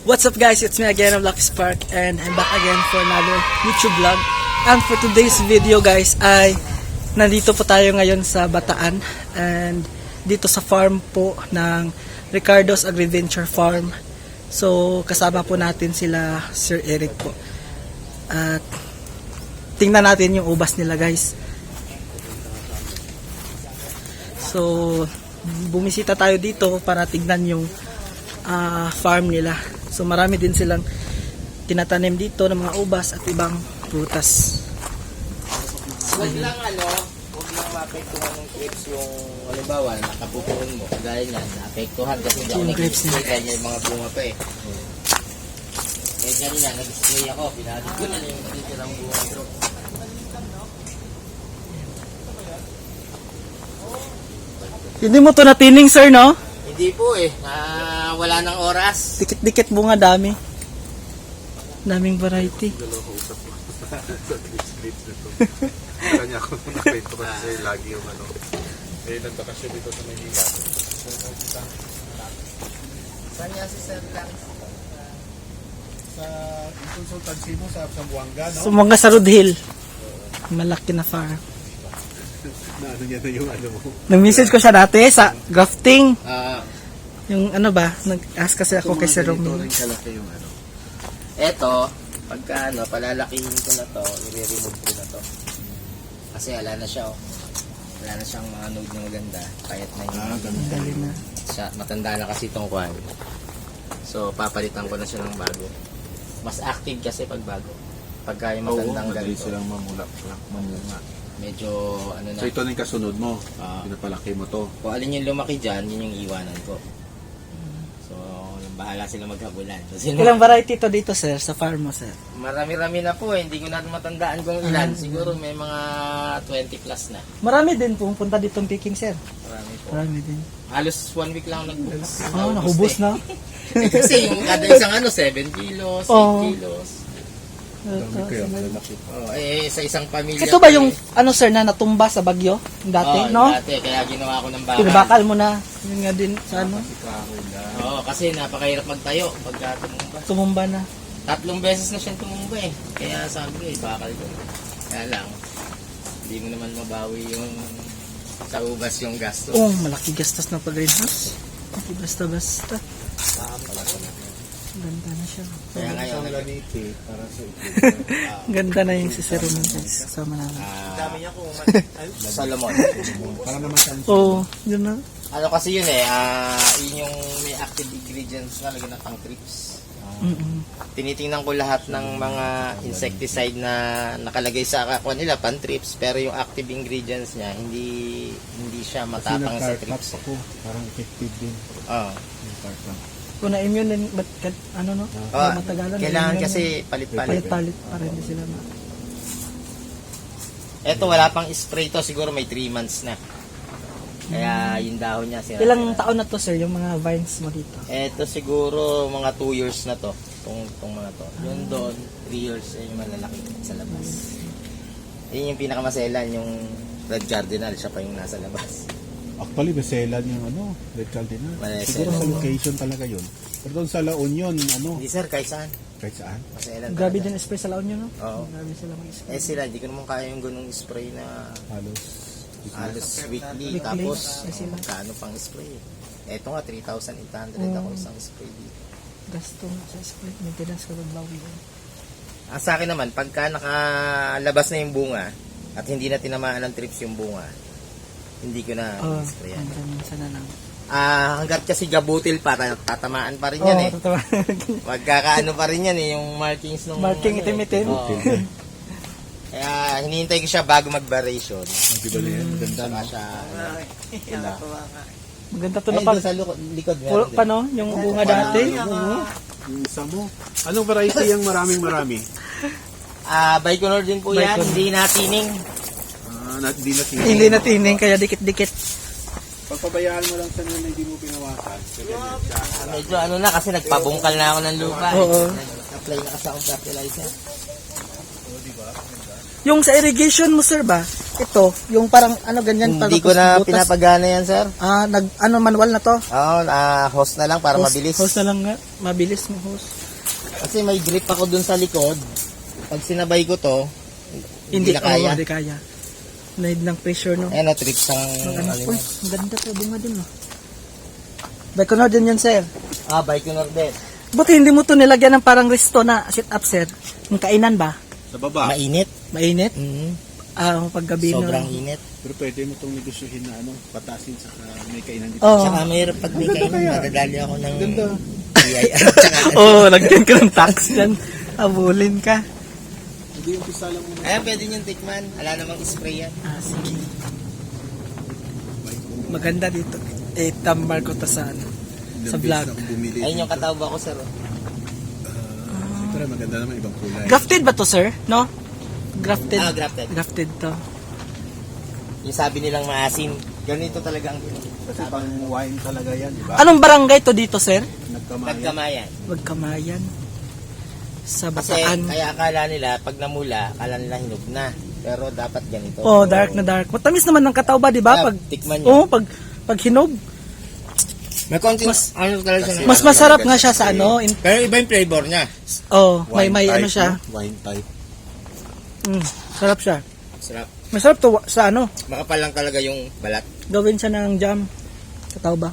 What's up guys, it's me again, I'm Lucky Spark, and I'm back again for another YouTube vlog. And for today's video guys ay nandito po tayo ngayon sa Bataan and dito sa farm po ng Ricardo's Agriventure Farm. So kasama po natin sila Sir Eric po. At tingnan natin yung ubas nila guys. So bumisita tayo dito para tignan yung farm nila. So marami din silang tinatanim dito ng mga ubas at ibang prutas. Huwag lang huwag lang maapektuhan ng grapes yung halimbawa, nakapupuan mo. Dahil yan, naapektuhan kasi hindi ako Yung grapes nag-display kanya yung mga bunga pa eh. Eh ganyan yan, nag-display ako, pinatid ko na yung natitirang bunga bro. Hindi mo to natining sir, no? Hindi po eh, wala ng oras. Dikit-dikit bunga, dami. Daming variety. Kala niya ako nakita ko kasi lagi yung eh nagbakasyon dito sa Maynila. Saan yan si Sir lang? Sa consultancy mo sa Buanga, no? So mga sa Road Hill. Malaki na farm. Na ano niya na yung mo. Nag-message ko siya dati sa grafting. Yung ano ba, nag-ask kasi ako kay Sir Romeo. Kalaki yung Eto, pagka palalakihin ko na to, i-remove ko na to. Kasi wala na siya Wala na siyang mga node na maganda. Kahit na yung Dali na. matanda na kasi itong kwan. So, papalitan ko na siya ng bago. Mas active kasi pag bago. Pagka yung matandang ganito. silang mamula. Medyo ano na. So ito na yung kasunod mo. Pinapalaki mo to. Kung alin yung lumaki dyan, yun yung iwanan ko. So, bahala sila maghabulan. Kasi Ilang variety to dito sir, sa farm mo sir? marami-rami na po eh. Hindi ko na matandaan kung ilan. Siguro may mga 20 plus na. Marami din pumunta ditong picking sir. Marami po. Marami din. Halos 1 week lang nagbukas. Nahubos na. Kasi yung kada isang 7 kilos, 8 Oo. kilos. Dami kaya malalaki. Sa isang pamilya. Ito ba yung ano sir na natumba sa bagyo? Yung dati, Oo, no? dati, kaya ginawa ko ng bakal. Pinabakal mo na. Yun nga din sa ano. Oo, kasi napakahirap magtayo pagka tumumba. Tumumba na. 3 beses na siyang tumumba eh. Kaya sabi ko bakal ko. Kaya lang, hindi mo naman mabawi yung sa ubas yung gasto. Oh, malaki gastos na pag-greenhouse. Hindi basta-basta. Ganda na siya. Kaya ngayon, para sa Ganda na yung si Sir Roman guys. Kasama namin. dami niya kung Solomon. para naman sa Oo, yun na. Ano kasi yun eh, yun yung may active ingredients na lagyan ng pang trips. Tinitingnan ko lahat ng mga insecticide na nakalagay sa kakwa nila, pan trips, pero yung active ingredients niya, hindi siya matapang sa trips. ako, parang effective din. Oo. Yung tarpap. Kung na-immune din, ba't ano no? Matagalan. Kailangan na-immune kasi na. palit-palit. Palit-palit para hindi sila na. Eto wala pang spray to, siguro may 3 months na. Kaya yung dahon niya sira. Ilang taon na to sir, yung mga vines mo dito? Eto siguro mga 2 years na to. Itong mga to. Yun doon, 3 years yung malalaki sa labas. Yun yung pinakamaselan, yung red cardinal, siya pa yung nasa labas. Actually, beselan yung Red Cardinal. Maselan. Siguro sa location talaga yun. Pero doon sa La Union, Hindi sir, kahit saan. kahit saan. Maselan. Grabe talaga. din spray sa laon nyo no? Oo. Grabe sila mag-spray. Sila, hindi ko naman kaya yung ganung spray na halos weekly. Tapos, Ay, sila. magkano pang spray. Eto nga, 3,800 ako isang spray dito. Gasto nga sa spray. Maintenance ka magbawi yun. Ang sa akin naman, pagka nakalabas na yung bunga at hindi na tinamaan ng trips yung bunga, hindi ko na sprayan. Hanggang minsan na lang. Hanggat kasi gabutil pa, tatamaan pa rin yan eh. Totoo. Magkakaano pa rin yan eh, yung markings ng... Marking itim-itim. Oo. Kaya hinihintay ko siya bago mag-variation. Ang bibali yan, maganda Saka no? siya... Maganda to Ay, na pag... doon sa likod. Puro pa no? Yung bunga dati. Yung isa mo. Anong variety yung marami? Baikonur din po yan, Baikonur. hindi natining. Hindi na Hindi na tining, kaya dikit-dikit. Pagpabayaan mo lang sa nila, hindi mo pinawasan. Medyo ano na kasi nagpabungkal na ako ng lupa. Oo. Nag-apply na kasi akong fertilizer. Yung sa irrigation mo sir ba? ito, yung parang ano ganyan Hindi ko na butas. pinapagana yan, sir. Manual na to. Oo, hose na lang para mabilis. Hose na lang nga. Mabilis mo hose. Kasi may grip ako dun sa likod. Pag sinabay ko to, hindi na kaya. Hindi kaya. Need ng pressure, no? Ayan, trips ang Uy, ang ganda to. Bunga din, no? Baikonur din yan, sir. Baikonur din. Buti hindi mo to nilagyan ng parang resto na sit-up, sir. Yung kainan ba? Sa baba. Mainit. Mainit? Mm-hmm. Paggabi Sobrang na. init. Pero pwede mo itong negosyohin na patasin sa may kainan dito. Oo. Tsaka mahirap pag may kainan, madadali ako ng Ganda. BIR. Lagyan ka ng tax yan. Abulin ka. Hindi yung pisa lang muna. Ayan, pwede niyong tikman. Wala namang spray yan. Sige. Maganda dito. Tambar ko to sa sa vlog. Bumili. Ayun yung katawba ko, sir. Pero maganda naman ibang kulay. Grafted ba to, sir? No? Grafted. Grafted. Grafted to. Yung sabi nilang maasim. Ganito talaga ang Kasi pang wine talaga yan, di ba? Anong barangay to dito, sir? Nagkamayan. nagkamayan. Magkamayan. Sa Kasi Bataan. kaya akala nila, pag namula, akala nila hinog na. Pero dapat ganito. Dark na dark. Matamis naman ng kataw ba, di ba? Pag Tikman nyo. pag hinog. May konting, ano talaga siya. Mas masarap nga siya sa Pero iba yung flavor niya. Wine may type, ano siya. no? Wine type. Sarap siya. Sarap. Masarap to sa Makapal lang talaga yung balat. gawin siya ng jam. Kataw ba?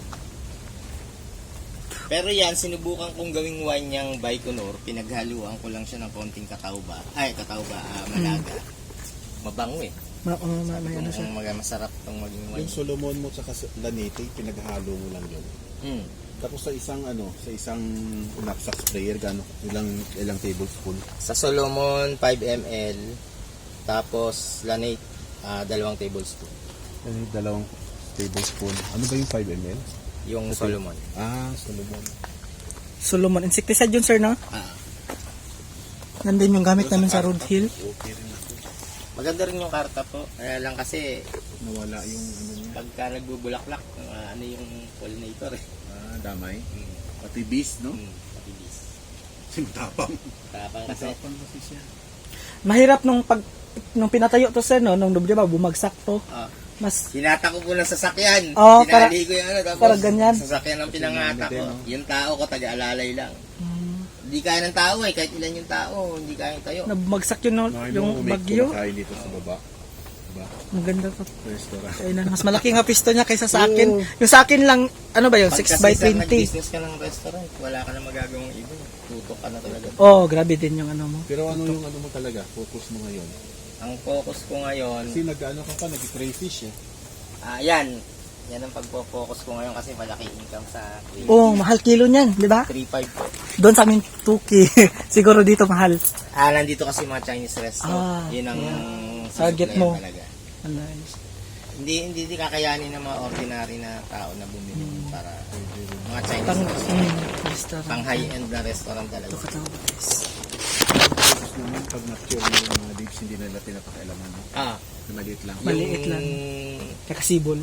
Pero yan, sinubukan kong gawing wine niyang Baikonur. Pinaghaluan ko lang siya ng konting katawba. Malaga. Mabango eh. May ano siya. Masarap tong maging wine. Yung Solomon mo sa Lanete, pinaghalo mo lang yun. Mm. Tapos sa isang knapsack sprayer, ilang tablespoon? Sa Solomon, 5 ml. Tapos, Lanate, 2 tablespoon. Dalawang tablespoon. Ano ba yung 5 ml? Yung Solomon. Solomon. Solomon. Insecticide yun, sir, no? Nandun yung gamit namin sa Road Hill. Okay rin ako. Maganda rin yung karta po. Kaya lang kasi, Nawala yung niya. pagka nagbubulaklak, yung pollinator eh. Damay. Pati bees, no? Mabilis. Sinutapang. Tapang kasi. Sinutapang kasi siya. Mahirap nung pinatayo to, sir, no? Nung di ba, bumagsak to. Mas Hinata ko po ng sasakyan. Oo, Tinali ko yung tapos para ganyan. sasakyan ang pinangata ko. Yung tao ko, taga-alalay lang. Hindi kaya ng tao kahit ilan yung tao, hindi kaya yung tayo. nabumagsak yun, no? Yung bagyo. Kumakain dito sa baba. Diba? Ang ganda to. Restaurant. Kainan. Mas malaki nga pisto niya kaysa sa akin. Yung sa akin lang, ano ba yun? 6 by 20. Nag-business ka ng restaurant, wala ka na magagawang iba. Tutok ka na talaga. Grabe din yung ano mo. Pero ano yung mo talaga? Focus mo ngayon? Ang focus ko ngayon, Kasi nag-crayfish eh. yan. Yan ang pagpo-focus ko ngayon kasi malaki income sa Mahal kilo niyan, di ba? 3.5 po. Doon sa amin, 2K. Siguro dito mahal. Nandito kasi mga Chinese restaurant. Yun ang Target mo. talaga. Nice. Hindi kakayanin ng mga ordinary na tao na bumili para mga Chinese Restaurant. pang high-end na restaurant talaga. Ito katawa, guys. Tapos naman, pag mature mo yung mga leaves, hindi nila pinapakailaman mo. Na maliit lang. Maliit lang. Kakasibol.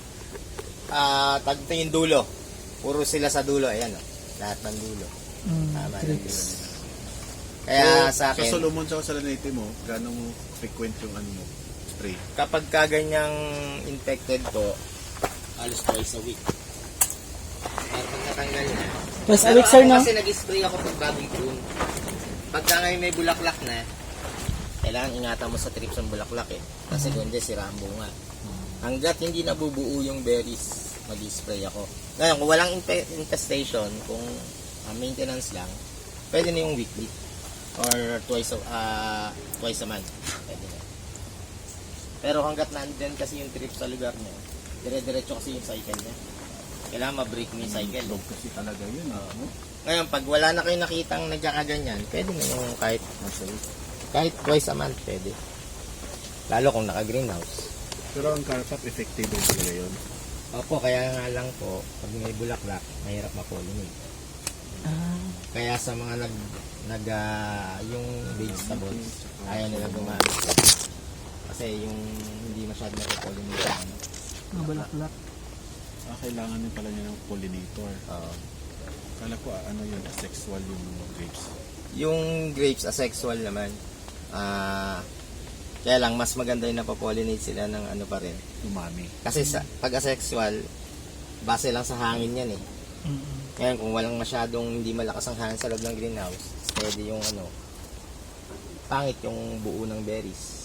Tagto yung dulo. Puro sila sa dulo. Ayan, lahat ng dulo. Tama ng dulo Trips. nila. Kaya sa Sa akin, Solomon sa Lanete mo, gaano mo frequent yung spray? kapag kaganyang infected po, halos twice a week. At pag natanggal na. Twice a Pero week, sir, ako no? kasi nag-spray ako pag bagong June. Pagka ngayon may bulaklak na, kailangan ingatan mo sa trips ng bulaklak eh. Kasi kundi sira ang bunga. Hanggat hindi nabubuo yung berries, mag-spray ako. Ngayon, kung walang infestation, kung maintenance lang, pwede na yung weekly. Or twice a month. Pwede na. Pero hanggat nandun kasi yung trip sa lugar niya, dire-diretso kasi yung cycle niya. Kailangan ma-break mo yung cycle. Dog kasi talaga yun. Ngayon, pag wala na kayo nakitang nagkakaganyan, pwede na yung kahit twice a month, pwede. Lalo kung naka-greenhouse. Pero ang carpap, effective din talaga yun. Opo, kaya nga lang po, pag may bulaklak, mahirap ma-pollinate. Kaya sa mga yung vegetables, ayaw nila gumamit. Kasi yung hindi masyado na-pollinate. Mga bulaklak. Kailangan din pala niya ng pollinator. Kala ko yun, asexual yung grapes. Yung grapes, asexual naman. Kaya lang, mas maganda yung napapollinate sila ng ano pa rin. Umami. Kasi sa pag-asexual, base lang sa hangin yan eh. Ngayon, kung walang masyadong hindi malakas ang hangin sa loob ng greenhouse, steady yung ano, pangit yung buo ng berries.